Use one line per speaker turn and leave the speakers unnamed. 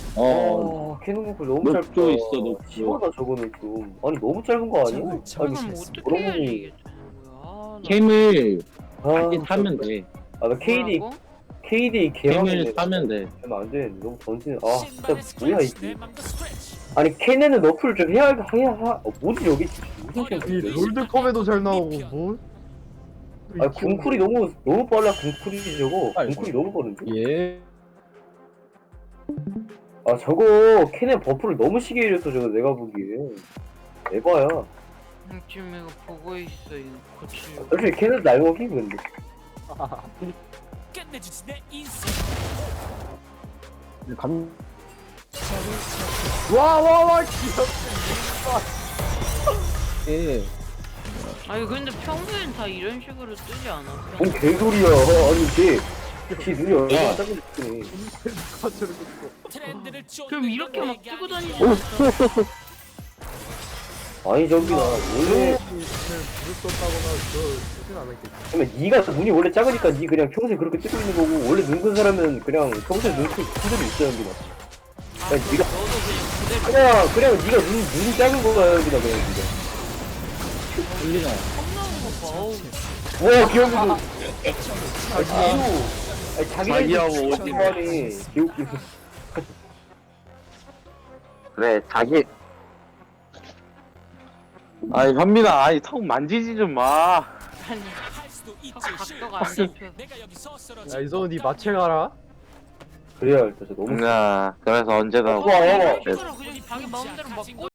캐논 앵콜 너무 짧다.
녹조 있어, 녹조.
심하다 저거는 좀. 아니 너무 짧은 거 아니야?
그럼 어떻게 해야지 이게 되는 거야?
캠을
아,
다시 사면 돼.
나 KD
뭐라고?
KD
캠을
개망이네.
사면 돼.
되면 안 돼. 너무 던지는. 진짜 뭐야 이게. 아니 케넨은 너프를 좀 해야 뭐지 여기 무슨
이
캠?
롤드컵에도 잘 나오고 뭐?
아니 궁쿨이 너무 빨라. 궁쿨이 저거.
아이고.
궁쿨이 너무 빠른데?
예.
저거 케넨 버프를 너무 시게 해줬어 저거 내가 보기에. 에바야.
지금 이거 보고 있어 이거 고치려고.
솔직히 케넨 날먹이 근데.
끝내주지 내 인생.
감. 와와와 귀엽다. 예.
아니 근데 평소엔 다 이런 식으로 뜨지 않아?
뭔 개소리야. 아니 걔 눈이 얼마나 작은지.
트렌드를
그럼 이렇게 막 뜨고 다니지
어?
않았어?
아니 저기 나 원래
불 떴다거나 그러진 않았겠지.
그러면 네가 눈이 원래 작으니까 네 그냥 평소에 그렇게 뜨고 있는 거고 원래 눈 큰 사람은 그냥 평소에 눈 그대로 있어야 합니다. 아니 네가
너도 그냥 그대로
그냥 네가 눈 작은 거야 여기다 그냥 네가.
울리나?
컵 나오는 거 봐. 어우.
와 귀여워.
자기하고
자기가
오지
말이 개웃기네.
그래, 자기. 아이, 현민아, 아이, 턱 만지지 좀 마.
아니
할 수도 있지.
각도가 안 잡혀.
내가 여기서 쓰러져.
야 이성은 니 마체 가라.
그래야 일단 저 너무
그래서 언제나.
와, 와, 와.
이런 식으로 그냥 자기 마음대로 막